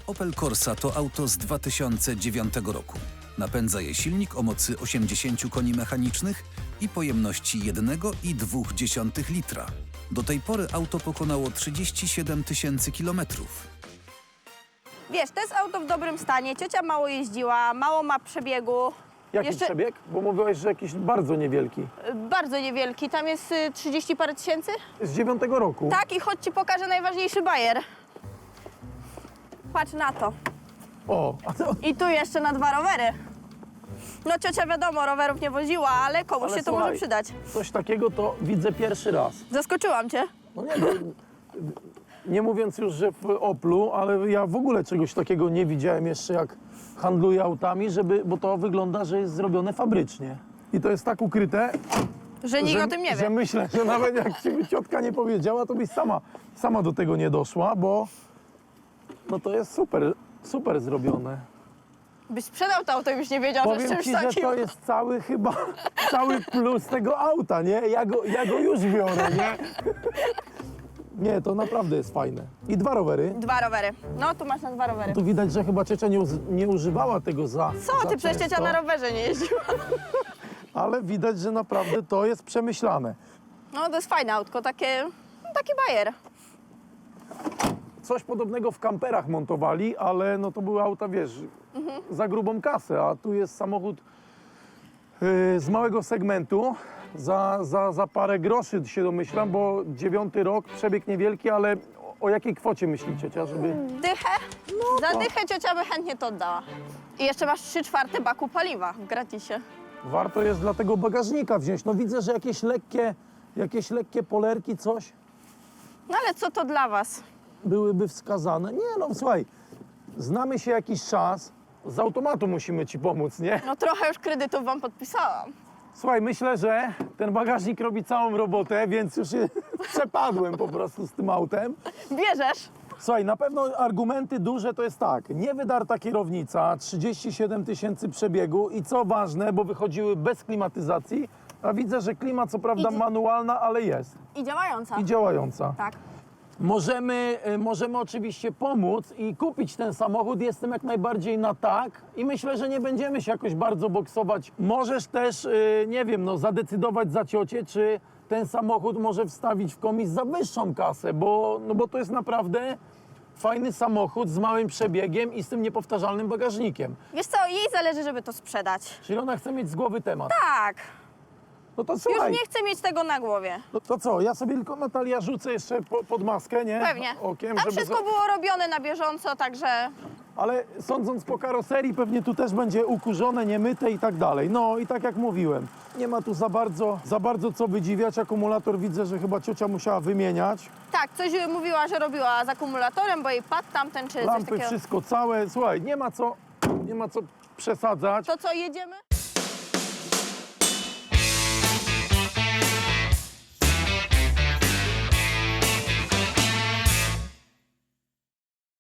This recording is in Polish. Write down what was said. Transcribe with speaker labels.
Speaker 1: Opel Corsa to auto z 2009 roku. Napędza je silnik o mocy 80 koni mechanicznych i pojemności 1,2 litra. Do tej pory auto pokonało 37 000 kilometrów.
Speaker 2: Wiesz, to jest auto w dobrym stanie, ciocia mało jeździła, mało ma przebiegu.
Speaker 3: Jaki przebieg? Bo mówiłeś, że jakiś bardzo niewielki.
Speaker 2: Bardzo niewielki, tam jest 30 parę tysięcy.
Speaker 3: Z 9 roku.
Speaker 2: Tak, i chodź ci pokażę najważniejszy bajer. Patrz na to.
Speaker 3: O, a to...
Speaker 2: I tu jeszcze na 2 rowery. No ciocia wiadomo, rowerów nie woziła, ale komuś
Speaker 3: Ale
Speaker 2: się to
Speaker 3: słuchaj,
Speaker 2: może przydać.
Speaker 3: Coś takiego to widzę pierwszy raz.
Speaker 2: Zaskoczyłam cię.
Speaker 3: No nie, no, nie mówiąc już, że w Oplu, ale ja w ogóle czegoś takiego nie widziałem jeszcze, jak handluję autami, bo to wygląda, że jest zrobione fabrycznie. I to jest tak ukryte,
Speaker 2: Że nikt o tym nie
Speaker 3: że
Speaker 2: wie.
Speaker 3: myślę, że nawet jak ci by ciotka nie powiedziała, to byś sama do tego nie doszła, bo no to jest super zrobione.
Speaker 2: Byś sprzedał to auto i byś nie wiedział, że z
Speaker 3: Powiem
Speaker 2: czymś
Speaker 3: ci, że
Speaker 2: takim.
Speaker 3: to jest cały plus tego auta, nie? Ja go już biorę, nie? Nie, to naprawdę jest fajne. I 2 rowery.
Speaker 2: 2 rowery. No, tu masz na 2 rowery.
Speaker 3: Tu widać, że chyba ciocia nie używała tego za
Speaker 2: Co ty, przecież
Speaker 3: często,
Speaker 2: ciocia na rowerze nie jeździła.
Speaker 3: ale widać, że naprawdę to jest przemyślane.
Speaker 2: No, to jest fajne autko, taki bajer.
Speaker 3: Coś podobnego w kamperach montowali, ale no to były auta, wiesz, za grubą kasę, a tu jest samochód z małego segmentu, za parę groszy się domyślam, bo 9 rok, przebieg niewielki, ale o jakiej kwocie myśli ciocia, żeby...
Speaker 2: Dychę? Za
Speaker 3: to-
Speaker 2: dychę ciocia by chętnie to oddała. I jeszcze masz 3/4 baku paliwa w gratisie.
Speaker 3: Warto jest dla tego bagażnika wziąć. No widzę, że jakieś lekkie polerki, coś
Speaker 2: No ale co to dla was?
Speaker 3: byłyby wskazane. Nie no, słuchaj, znamy się jakiś czas, z automatu musimy ci pomóc, nie?
Speaker 2: No trochę już kredytów wam podpisałam.
Speaker 3: Słuchaj, myślę, że ten bagażnik robi całą robotę, więc już się przepadłem po prostu z tym autem.
Speaker 2: Bierzesz?
Speaker 3: Słuchaj, na pewno argumenty duże to jest tak, niewydarta kierownica, 37 000 przebiegu i co ważne, bo wychodziły bez klimatyzacji, a widzę, że klima co prawda
Speaker 2: I-
Speaker 3: manualna, ale jest
Speaker 2: I działająca.
Speaker 3: i działająca.
Speaker 2: Tak.
Speaker 3: Możemy oczywiście pomóc i kupić ten samochód, jestem jak najbardziej na tak i myślę, że nie będziemy się jakoś bardzo boksować. Możesz też, nie wiem, no, zadecydować za ciocię, czy ten samochód może wstawić w komis za wyższą kasę, bo to jest naprawdę fajny samochód z małym przebiegiem i z tym niepowtarzalnym bagażnikiem.
Speaker 2: Wiesz co, jej zależy, żeby to sprzedać.
Speaker 3: Czyli ona chce mieć z głowy temat.
Speaker 2: Tak.
Speaker 3: No to
Speaker 2: Już
Speaker 3: słuchaj,
Speaker 2: nie chcę mieć tego na głowie.
Speaker 3: no to co, ja sobie tylko, Natalia, rzucę jeszcze pod maskę, nie?
Speaker 2: Pewnie.
Speaker 3: Okiem,
Speaker 2: A
Speaker 3: żeby
Speaker 2: wszystko było robione na bieżąco, także...
Speaker 3: Ale sądząc po karoserii, pewnie tu też będzie ukurzone, niemyte i tak dalej. No i tak jak mówiłem, nie ma tu za bardzo co wydziwiać. Akumulator widzę, że chyba ciocia musiała wymieniać.
Speaker 2: Tak, coś mówiła, że robiła z akumulatorem, bo jej padł tamten czy coś
Speaker 3: Lampy,
Speaker 2: takiego.
Speaker 3: wszystko całe. Słuchaj, nie ma co przesadzać.
Speaker 2: To co, jedziemy?